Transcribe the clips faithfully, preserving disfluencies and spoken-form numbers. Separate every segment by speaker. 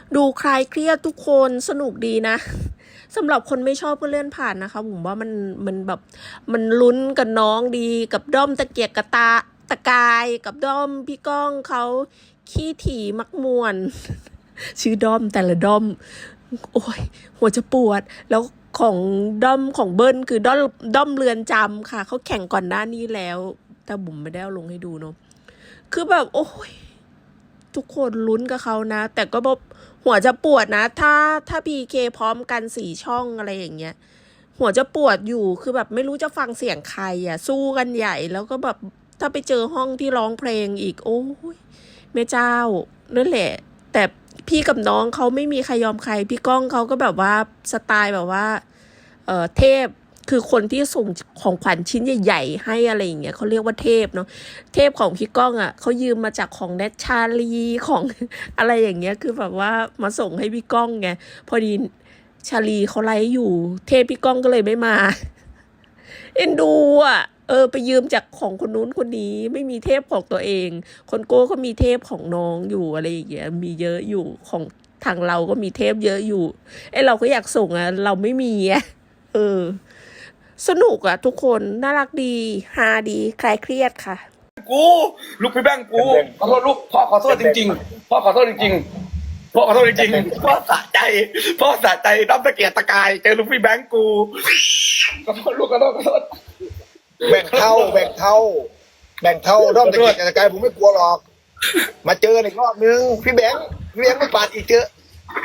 Speaker 1: ดูคลายเครียดทุกคนสนุกดีนะสำหรับคนไม่ชอบก็เลื่อนผ่านนะคะผมว่ามันมันแบบมันลุ้นกับน้องดีกับด้อมตะเกียกกระตาตะกายกับด้อมพี่ก้องเขาขี้ถี่มักมวนชื่อด้อมแต่ละด้อมโอ้ยหัวจะปวดแล้วของด้อมของเบิ้ลคือด้อมด้อมเรือนจำค่ะเขาแข่งก่อนหน้านี้แล้วแต่บุ๋มไม่ได้เอาลงให้ดูเนาะคือแบบโอ้ยทุกคนลุ้นกับเขานะแต่ก็แบบหัวจะปวดนะถ้าถ้าพีเคพร้อมกันสี่ช่องอะไรอย่างเงี้ยหัวจะปวดอยู่คือแบบไม่รู้จะฟังเสียงใครอ่ะสู้กันใหญ่แล้วก็แบบถ้าไปเจอห้องที่ร้องเพลงอีกโอ้ยแม่เจ้านั่นแหละแต่พี่กับน้องเขาไม่มีใครยอมใครพี่ก้องเขาก็แบบว่าสไตล์แบบว่าเออเทพคือคนที่ส่งของขวัญชิ้นใหญ่ๆให้อะไรอย่างเงี้ยเขาเรียกว่าเทพเนาะเทพของพี่ก้องอ่ะเขายืมมาจากของแนทชาลีของ อะไรอย่างเงี้ยคือแบบว่ามาส่งให้พี่ก้องไงพอดีชาลีเขาไลฟ์อยู่เทพพี่ก้องก็เลยไม่มา เอ็นดูอ่ะเออไปยืมจากของคนนู้นคนนี้ไม่มีเทพของตัวเองคนโก้ก็มีเทพของน้องอยู่อะไรอย่างเงี้ยมีเยอะอยู่ของทางเราก็มีเทพเยอะอยู่ไอเราก็อยากส่งอ่ะเราไม่มีอ่ะเออสนุกอ่ะทุกคนน่ารักดีฮาดีคลายเครียดค่ะ
Speaker 2: กูลูกพี่แบงค์กูขอโทษลูกพ่อขอโทษจริงๆพ่อขอโทษจริงๆพ่อขอโทษจริงๆพ่อสะใจพ่อสะใจน้ำตะเกียกตะกายเจอลูกพี่แบงค์กูขอโทษลูกขอโทษขอโทษ
Speaker 3: แบ่งเท่าแบ่งเท่าแบ่งเท่าด้อมตะเกียกตะกายผมไม่กลัวหรอก มาเจออีกรอบนึงพี่แบงค์พี่แบงค์ไม่ปาดอีกเจอ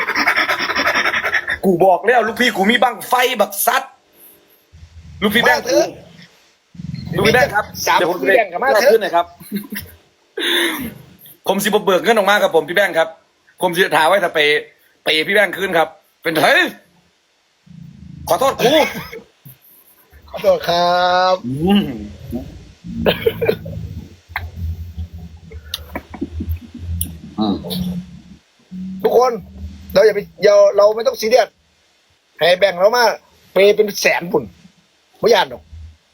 Speaker 2: กูบอกแล้วลูกพี่กูมีบังไฟบักซัดลูกพี่แบงค์กูลูกพี่แบงค์ครับ
Speaker 3: สาม
Speaker 2: เดี๋ยวผม
Speaker 3: พี่แบงค์กับมาเถ
Speaker 2: ขึ้นห
Speaker 3: อะ
Speaker 2: น่อยครับ ผมสิบเบิกเงินออกมากับผมพี่แบงค์ครับผมจะถามว่าจะไปไปพี่แบงค์คืนครับ เป็นเฮ้ยขอโทษกู
Speaker 3: ขอโทษครับ
Speaker 2: อืม อืม
Speaker 3: ทุกคนเราอย่าไปเราเราไม่ต้องซีเรียสให้แบ่งเรามาเปย์เป็นแสนปุ่นไม่ยานหรอก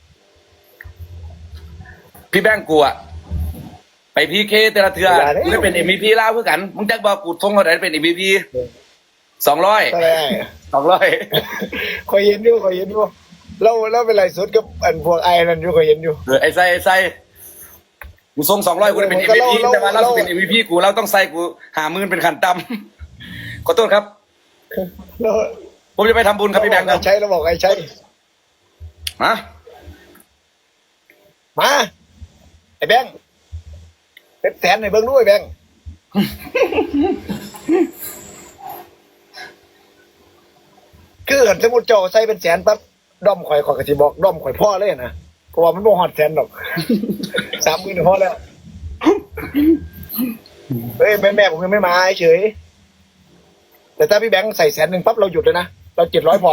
Speaker 2: พี่แบงค์กูอะไปพีเคแต่ละเทือกูได้เป็นเอ็มวีพีล่าเพื่อกันมึงจักบอกกูทงเขาได้เป็นเอ็มวีพีสองร้อย
Speaker 3: ก็ได้
Speaker 2: สองร้อย
Speaker 3: คอยเห็นอยู่คอยเห็นอยู่เราเราเป็นไรสุดกับอันพวกไอ้นั่นอยู่คอยเห็นอยู่
Speaker 2: เออไอ้ไส้ไอ้ไส้กูส่งสองร้อยกูได้เป็นเอ็มวีพีแต่ว่าเราจะเป็นเอ็มวีพีกูเราต้องใส่กูหาหมื่นเป็นขันต่ำขอโทษครับ
Speaker 3: เรา
Speaker 2: ผมจะไปทำบุญครับพี่แบงค์ครับ
Speaker 3: ใช้เราบอกไอ้ใช้
Speaker 2: มา
Speaker 3: มาไอ้แบงค์เป็นแสนในเบิ้งด้วยแบงค์ คือเห็นสมมุติเจ้าใส่เป็นแสนปั๊บด้อมข่อยข่อยก็สิบอกด้อมข่อยพ่อเลยนะเพราะว่ามันบ่ฮอดแสนหรอก สามหมื่นพอแล้วเฮ้ยแม่แม่ผมยังไม่มาเฉยแต่ถ้าพี่แบงค์ใส่แสนหนึ่งปั๊บเราหยุดเลยนะเราเจ็ดร้อยพอ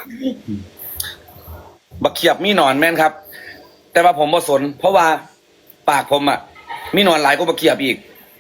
Speaker 2: บักเขียบมีหนอนแม่นครับ แต่ว่าผมบ่สน เพราะว่าปากผมอะมีหนอนหลายกว่าบักเขียบอีก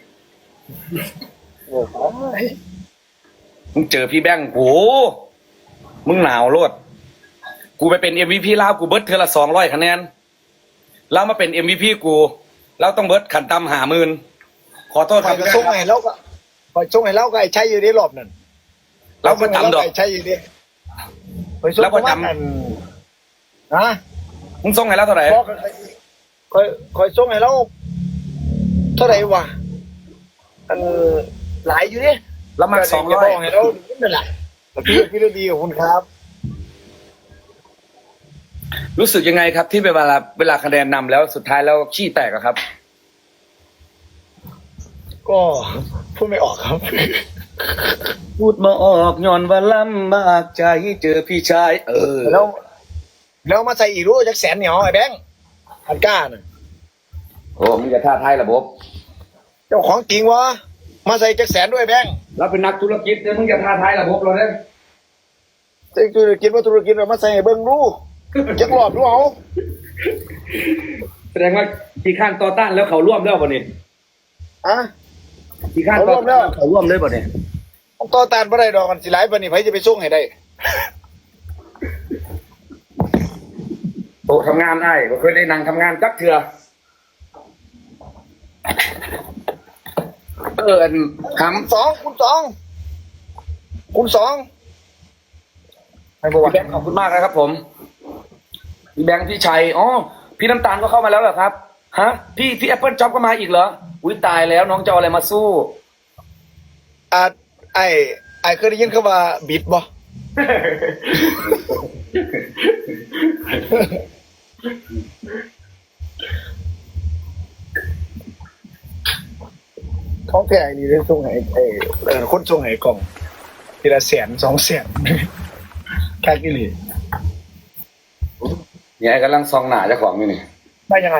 Speaker 3: โอ้โห
Speaker 2: มึงเจอพี่แบงค์โหมึงหนาวโลด กูไปเป็น เอ็ม วี พี ลาวกูเบิร์ดเทอละสองร้อยคะแนน แล้วมาเป็น เอ็ม วี พี กูแล้วต้องเบิร์ดขันตำหาหมื่นขอโทษค
Speaker 3: ข่
Speaker 2: รั
Speaker 3: อบ ยก็ส่งให้เราก็ข่อยส่งให้เราก็ไอ้ใช้อยู่ในรอบนั่น
Speaker 2: เราก็จำดอก
Speaker 3: ไอ้ใช้อยู่ดิข่อยส่ง
Speaker 2: แล้วก็จำ
Speaker 3: ประมาณนั้นฮะ
Speaker 2: มึงส่งให้แล้วเท่าไหร่
Speaker 3: บอกข่อยข่อยส่งให้เราเท่าไหร่วะอันหลายอยู่ดิ
Speaker 2: แล้วมาสองร้อย
Speaker 3: ให้เรานั่นแหละพี่พี่ฤดีขอบคุณครับ
Speaker 2: รู้สึกยังไงครับ ที่เวลาเวลาคะแนนนำแล้วสุดท้ายแล้วขี้แตกอะครับ
Speaker 3: ก็พูดไม่ออกครับ
Speaker 2: พูดมาออกย้อนว่าลำบากใจเจอพี่ชาย เออ
Speaker 3: แล้วแล้วมาใส่อีกรู้จักแสนเหนียวไอ้แบงค์อันก้าน่ะ
Speaker 2: โอ้มึงจะท่าทายระบบ
Speaker 3: เจ้าของจริงวะมาใส่จักแสนด้วยแบงค์
Speaker 2: เราเป็นนักธุรกิจเนี่ยมึงจะท่าทายระบบเราเนี่ย
Speaker 3: เจ้าธุรกิจว่าธุรกิจเรามาใส่ให้เบิ้งดูจักรอบดูเอา
Speaker 2: แสดงว่าที่ข้านต่อต้านแล้วเขาร่วมแล้วป่ะนี่
Speaker 3: อะ
Speaker 2: ที่ข้านต่อต้านเขาร่วมเลยป่ะนี่
Speaker 3: ต้องต่อต้านบ่ได้ดอกกันสิหลายปานนี้ไผจะไปส่งให้ได้
Speaker 2: โอ้ทำงานได้ก็เคยได้นั่งทำงานจักเถื่อเอออันค
Speaker 3: คุณสองคุณสองคูณสองให้บอก
Speaker 2: พี่
Speaker 3: ว่า
Speaker 2: แบงค์ขอบคุณมากนะครับผมพี่แบงค์พี่ชัยอ๋อพี่น้ำตาลก็เข้ามาแล้วเหรอครับฮะพี่พี่แอปเปิลจ็อบก็มาอีกเหรออุ้ยตายแล้วน้องจะเอาอะไรมาสู้
Speaker 3: อ่าไอ้ไอ้เคยได้ยินคำว่าบิดบ่ของแท้นี่ได้ส่งให้ไอ้เออคนส่งให้กล่องทีละแสนสองแสนแค่กี่หลี
Speaker 2: เนี่ยไอ้กำลังซองหนาเจ้าของอยู่นี่
Speaker 3: ได้ยังไง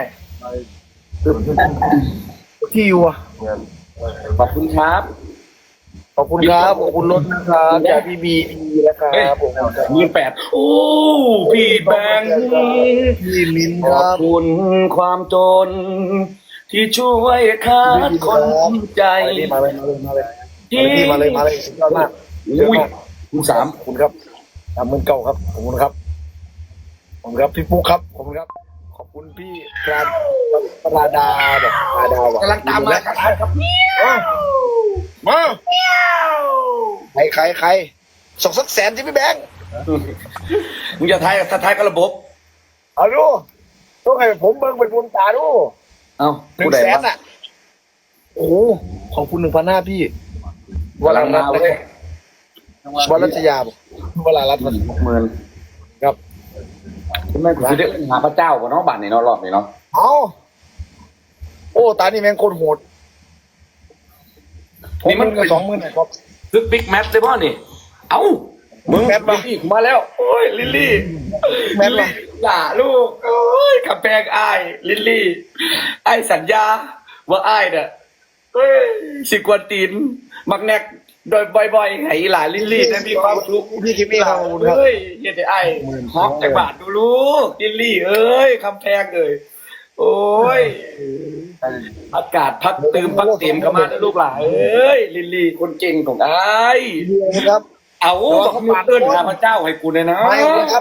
Speaker 3: ที่อยู่อ่ะ
Speaker 2: ขอบคุณครับ
Speaker 3: ขอบคุณครับขอบคุณรถนะครับจากพี่บีดีนะครับผม
Speaker 2: หมื่นแปดโอ้พี่แบงค์
Speaker 3: พี่มิน
Speaker 2: ข
Speaker 3: ค
Speaker 2: อบ
Speaker 3: รับ
Speaker 2: คุณความจน ที่ช่วยขาดคนใจ
Speaker 3: มาเลยมาเลยมาเลยพี่มาเลยมาเลยสุดยอดมาก
Speaker 2: อุ้ยคุณสาม
Speaker 3: ขอบคุณครับสามหมื่นเก้าครับขอบคุณครับขอบคุณครับพี่ปุ๊กครับขอบคุณครับ ขอบคุณพี่ปราปราดาแบบปราดาว
Speaker 2: กำลังตามมาครับครับ
Speaker 3: มาใครใครใครส่งสักแสนที่พี่แบงค์
Speaker 2: มึงจะทายถ้าทายกับระบบ
Speaker 3: เอาดูต้องให้ผมเบิ่งเป็นบุญตาดู
Speaker 2: เอ้า
Speaker 3: หนึ่
Speaker 2: ผู้
Speaker 3: ง
Speaker 2: ใด
Speaker 3: แสน
Speaker 2: วะ
Speaker 3: อ่ะโอ้โหขอบคุณหนึ่งพันห้าพี่
Speaker 2: กำลังมาเว้ยว
Speaker 3: รัชยาบอกวลารัตน์มัน
Speaker 2: หกหมื่น
Speaker 3: ครับ
Speaker 2: คุณแม่ผมจะได้หาพระเจ้ากับน้องบัตรในน้องรอบนี้เนาะ
Speaker 3: เอาโอ้ตานี่แม่งโคตรโหด
Speaker 2: นี่มัน
Speaker 3: กับสองหมื่นครับ
Speaker 2: ซึกบิ๊กแมทเลยป่ะนี่ เอ้ามึง
Speaker 3: แมทปะ
Speaker 2: ลิลลี่มาแล้ว โอ้ยลิลลี่
Speaker 3: แมทปะ
Speaker 2: ด่าลูกโอ้ยกับแพงอ้ายลิลลี่ไอ้ายสัญญา ว่าอ้ายเนี่ยเอ้ยสิกวนตีน มักแนกโดยบ่อยๆให้หลานลิลลี่ได้มีความสุข
Speaker 3: พี่คิมมี่ครับขอบคุณครับ
Speaker 2: เอ้ยเฮ็ดให้อ้ายฮอกจากบาทดูลูกลิลลี่ เอ้ยคำแพงเอ้ยโอ้ย อากาศพักตืมพักเต็มเข้ามาแล้วลูกหลานเอ้ยลิลลี่คนเก่งของอ้าย
Speaker 3: ดีนะครับ
Speaker 2: เอาบอกเขาเอิ้นหาพระเจ้าให้กูเลยนะ
Speaker 3: ไม่ครับ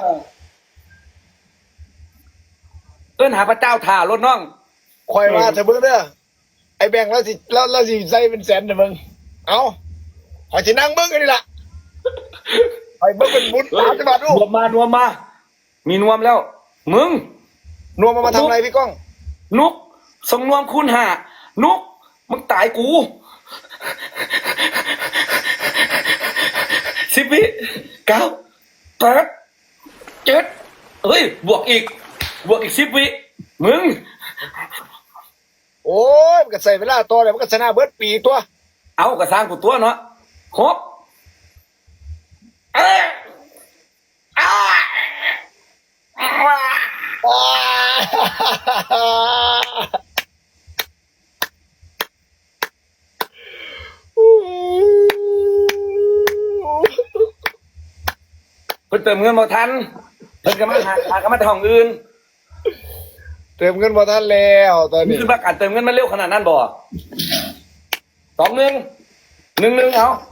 Speaker 2: เอิ้นหาพระเจ้าถ่ารถน้อง
Speaker 3: คอยมาเถอะเบิ่งเด้อไอ้แบงค์แล้วสิแล้วแล้วสิใส่เป็นแสนเด้อมึงเอาขอยสินั่งเบิ่งกันนี่ล่ะไปเบิ่งเป็นบุญตามจังหวัดดู
Speaker 2: นวมมานวมมา มีนวมแล้ว มึง
Speaker 3: นวมมามาทำอะไรพี่ก้อง
Speaker 2: นุกส่งนวมคูณหานุกมึงตายกูสิบวิเก้าแปดเจ็ดเฮ้ย บวกอีก บวกอีกสิบวิมึง
Speaker 3: โอ้ยมันก็ใส่เวลาตัวเลยมันก็ชนะเบิดปีตัว
Speaker 2: เอากระสร้างกูตัวเนาะหกเอ้ยอ้าอ้า
Speaker 3: อ่า
Speaker 2: เพิ่นเติมเงินบ่ทันเพิ่นก็มาหาหาก็มาแต่ห้องอื่น
Speaker 3: เติมเงินมาทันแล้วตอน
Speaker 2: นี่
Speaker 3: นี้
Speaker 2: คือประกาศเติมเงินมันเร็วขนาดนั้นบ่สองหนึ่งหนึ่งหนึ่งเอา